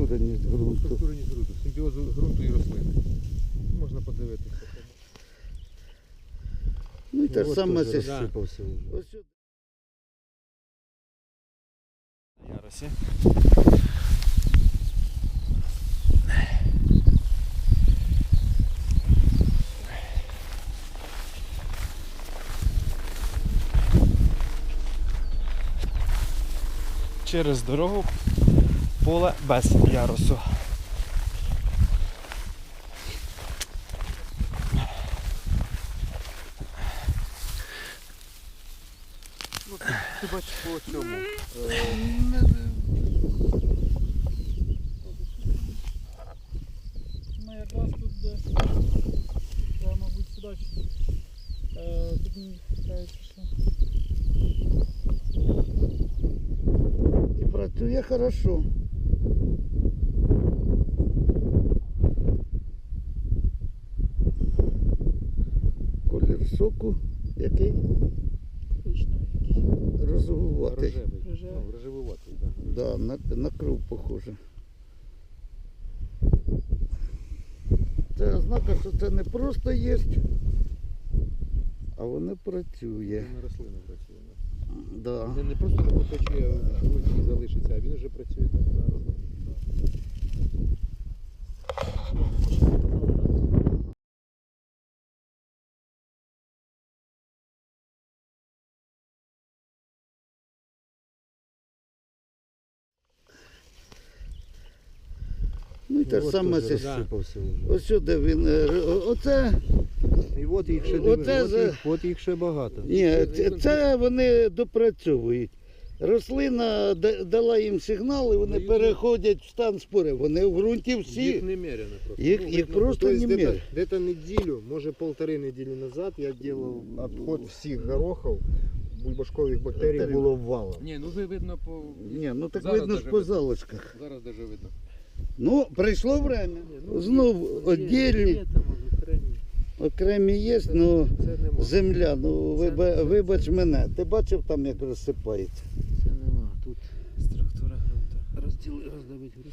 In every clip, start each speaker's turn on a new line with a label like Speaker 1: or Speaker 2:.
Speaker 1: Структуреність ґрунту.
Speaker 2: Структуреність ґрунту, симбіоз ґрунту і рослини. Можна подивитися.
Speaker 1: Ну і те ж саме це
Speaker 2: розсипався.
Speaker 1: ось сюди.
Speaker 3: Яросі. Через дорогу поле без ярусу.
Speaker 2: Ти бачиш по цьому.
Speaker 4: Ми якраз тут десь, мабуть, сюди. Тут мені кажуть, що
Speaker 1: І працює хорошо. Колір соку який?
Speaker 4: коричневий якийсь.
Speaker 1: Розовуватий.
Speaker 4: Рожевий.
Speaker 2: Ну, рожевуватий, так.
Speaker 1: Да, на кров похоже. Це ознака, що це не просто є, а воно працює.
Speaker 2: Він на рослину працює.
Speaker 1: Да.
Speaker 2: Він не просто не потече, в ґрунті і залишиться, а він вже працює так на рослину.
Speaker 1: Ну і те ж саме це.
Speaker 2: розсипався вже.
Speaker 1: Ось сюди він. Оце.
Speaker 2: І от їх ще, от їх ще багато.
Speaker 1: Ні, це вони допрацьовують. Рослина дала їм сигнал і вони переходять в стан спори. Вони в ґрунті
Speaker 2: Їх
Speaker 1: всі.
Speaker 2: немерено просто.
Speaker 1: Їх просто немерено.
Speaker 2: Где-то неделю, може 1,5 недели назад я делал обход всіх горохов. Бульбашкових бактерій було валом.
Speaker 5: Ні, ну видно по...
Speaker 1: Ні, ну так
Speaker 5: Зараз
Speaker 1: видно ж
Speaker 5: даже
Speaker 1: по
Speaker 5: видно.
Speaker 1: залишках.
Speaker 5: Зараз даже видно.
Speaker 1: Ну, прийшло время. Знов віддільні, окремі є, ну
Speaker 2: Це нема.
Speaker 1: земля, ну вибач мене. Ти бачив там, як розсипається?
Speaker 2: Це нема. Тут
Speaker 3: Структура ґрунту.
Speaker 2: роздавить ґрунт.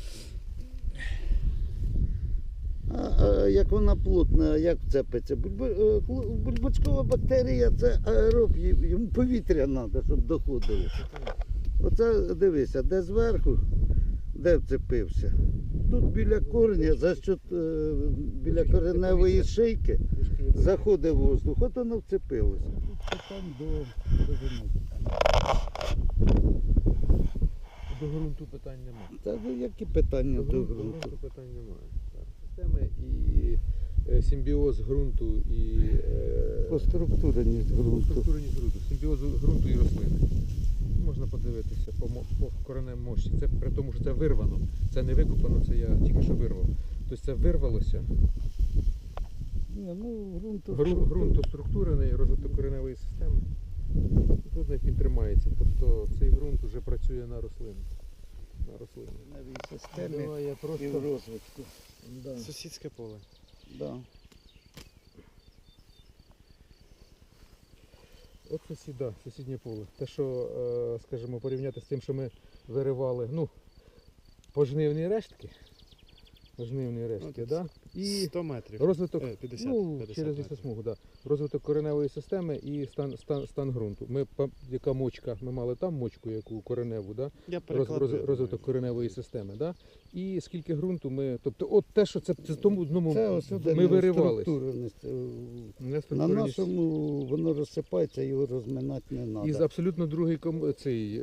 Speaker 1: А як вона плотна, як вцепиться? Бульбачкова бактерія це аероб, йому повітря треба, щоб доходило. Оце дивися, де зверху, де вцепився. Тут біля корня, за що біля кореневої шийки заходить воздух, от воно вцепилося. Там до
Speaker 2: До ґрунту питань немає.
Speaker 1: Та ну які питання до
Speaker 2: До
Speaker 1: ґрунту?
Speaker 2: ґрунту питань немає. Так. Системи і симбіоз ґрунту і
Speaker 1: Поструктуреність ґрунту.
Speaker 2: структуреність ґрунту, симбіоз ґрунту і рослини. Можна подивитися по кореневій мощі. Це при тому, що це вирвано. Це не викопано, це я тільки що вирвав. Тобто це вирвалося.
Speaker 1: Ні, ну
Speaker 2: Ґрунт структурений, розвиток кореневої системи. Тут як він тримається. Тобто цей ґрунт вже працює на рослину. На рослину.
Speaker 1: системі
Speaker 2: Давай я
Speaker 1: і
Speaker 2: просто...
Speaker 1: в розвитку. Да.
Speaker 3: Сусідське поле.
Speaker 1: Да.
Speaker 2: От сусіднє поле. Те, що, скажімо, порівняти з тим, що ми виривали, ну, пожнивні рештки. Пожнивні рештки, да? І
Speaker 3: 100 метрів.
Speaker 2: розвиток,
Speaker 3: 50,
Speaker 2: ну,
Speaker 3: 50
Speaker 2: через
Speaker 3: метрів.
Speaker 2: лісосмугу, да. Розвиток кореневої системи і стан ґрунту. Яка мочка, ми мали там мочку, яку кореневу, да?
Speaker 3: Я перекладаю.
Speaker 2: Розвиток кореневої системи, да? І скільки ґрунту ми, тобто от те, що це тому одному
Speaker 1: Це ось сюди
Speaker 2: ми виривались.
Speaker 1: структуреність.
Speaker 2: Не
Speaker 1: На
Speaker 2: структуреність.
Speaker 1: нашому воно розсипається, його розминати не
Speaker 2: І
Speaker 1: треба.
Speaker 2: абсолютно другий цей.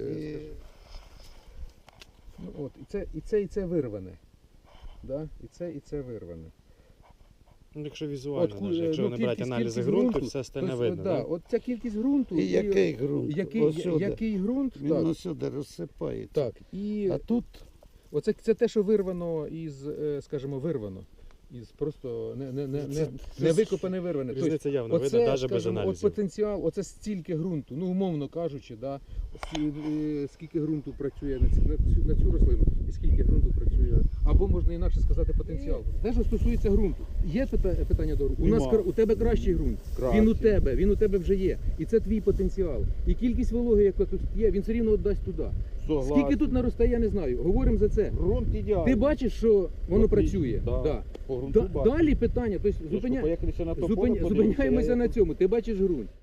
Speaker 2: Ну, от, і це вирване. Да? І це вирване.
Speaker 3: Ну, якщо візуально,
Speaker 2: От,
Speaker 3: навіть, якщо
Speaker 2: ну,
Speaker 3: не брати
Speaker 2: кількість
Speaker 3: аналізи
Speaker 2: ґрунту,
Speaker 3: ґрунту, все остальне
Speaker 2: тобто,
Speaker 3: видно.
Speaker 2: да,
Speaker 3: Да?
Speaker 2: от ця кількість ґрунту.
Speaker 1: І який ґрунт? Ось сюди.
Speaker 2: Який ґрунт,
Speaker 1: Він
Speaker 2: так.
Speaker 1: ось розсипається.
Speaker 2: Так. І
Speaker 1: А тут
Speaker 2: оце це те, що вирвано із, скажімо, вирвано. Із просто не викопане, вирване. Тобто,
Speaker 3: Різниця явно видно, навіть без
Speaker 2: скажімо, от
Speaker 3: аналізів.
Speaker 2: потенціал, оце стільки ґрунту, ну умовно кажучи, да, скільки ґрунту працює на цю рослину і скільки ґрунту працює, або або можна інакше сказати потенціал. Те, що стосується ґрунту. Є питання до ґрунту? У тебе кращий ґрунт. Він у тебе вже є. І це твій потенціал. І кількість вологи, яка тут є, він все рівно віддасть туди. Скільки тут наростає, я не знаю. Говоримо за це.
Speaker 5: Ґрунт ідеальний.
Speaker 2: Ти бачиш, що воно
Speaker 5: Отлично,
Speaker 2: працює.
Speaker 5: да.
Speaker 2: Да.
Speaker 5: По ґрунту бачу.
Speaker 2: Далі питання, тобто
Speaker 5: Поїхалися на тополе,
Speaker 2: зупиняємося на цьому. Ти бачиш ґрунт.